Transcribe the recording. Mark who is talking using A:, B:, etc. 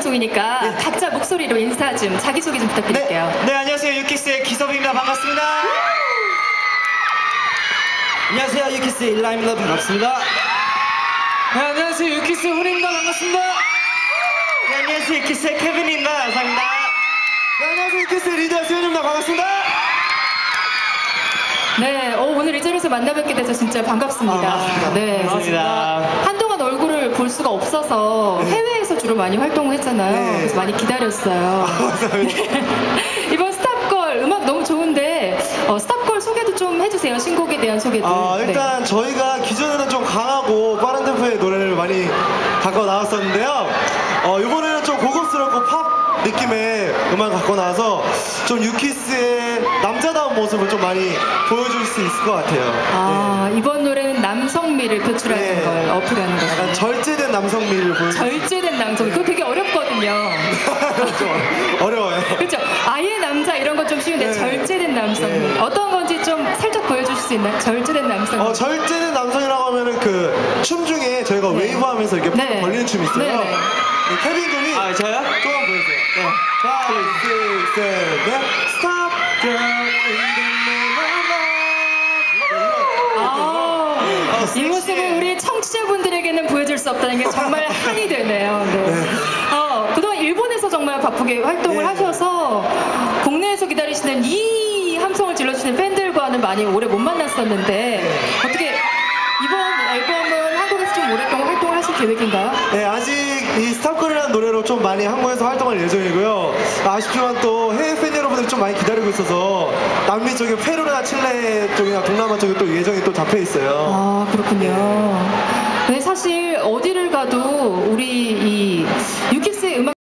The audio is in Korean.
A: 방송이니까
B: 네.
A: 각자 목소리로 인사 좀, 자기소개 좀 부탁드릴게요.
B: 네, 안녕하세요. 유키스의 기섭입니다. 반갑습니다. 안녕하세요. 유키스의 일라입니다. 반갑습니다. 네, 안녕하세요. 유키스의 훈입니다. 반갑습니다. 네, 안녕하세요. 유키스의 케빈입니다. 감사합니다. 네, 안녕하세요. 유키스의 리더 수현입니다. 반갑습니다.
A: 네, 오늘 이 자리에서 만나뵙게 돼서 진짜 반갑습니다. 네,
B: 반갑습니다.
A: 한동안 얼굴을 볼 수가 없어서 해외에서 주로 많이 활동을 했잖아요.
B: 네.
A: 그래서 많이 기다렸어요. 네. 이번 스탑걸 음악 너무 좋은데 스탑걸 소개도 좀 해주세요. 신곡에 대한 소개도.
C: 일단 저희가 기존에는 좀 강하고 빠른 템포의 노래를 많이 갖고 나왔었는데요. 이번에는 좀 고급스럽고 팝 느낌의 음악 갖고 나와서 좀 유키스의 남자다운 모습을 좀 많이 보여줄 수 있을 것 같아요.
A: 이번 노래는 남성미를 표출하는
C: 네.
A: 걸 어필하는 거죠.
C: 약간 절제된 남성미를 보여줄
A: 절제된 남성. 그거 되게 어렵거든요.
C: 좀 어려워요.
A: 그렇죠. 아예 남자 이런 건 좀 쉬운데
C: 네.
A: 절제된 남성미.
C: 네.
A: 어떤 건지 좀 살짝 보여주실 수 있나요? 절제된 남성미.
C: 절제된 남성이라고 하면은 그 춤 중에 저희가
A: 네.
C: 웨이브하면서 이렇게
A: 네.
C: 벌리는 춤이 있어요.
A: 네, 네.
C: 케빈 군이
B: 아, 저요?
C: 조금 보여주세요. 네. 5, 6, 7, 8 Stop girl in the name of love.
A: 이 모습을 우리 청취자분들에게는 보여줄 수 없다는 게 정말 한이 되네요. 네. 그동안 일본에서 정말 바쁘게 활동을
C: 네.
A: 하셔서 국내에서 기다리시는 이 함성을 질러주시는 팬들과는 많이 오래 못 만났었는데 어떻게 이번 앨범은 한국에서 좀 오랫동안 활동을 하실 계획인가요?
C: 네, 아직 이 스탑걸이라는 노래로 좀 많이 한국에서 활동할 예정이고요. 아쉽지만 또 해외 팬 여러분들이 좀 많이 기다리고 있어서 남미 쪽에 페루나 칠레 쪽이나 동남아 쪽에 또 예정이 또 잡혀 있어요.
A: 그렇군요. 네, 사실 어디를 가도 우리 이 유키스의 음악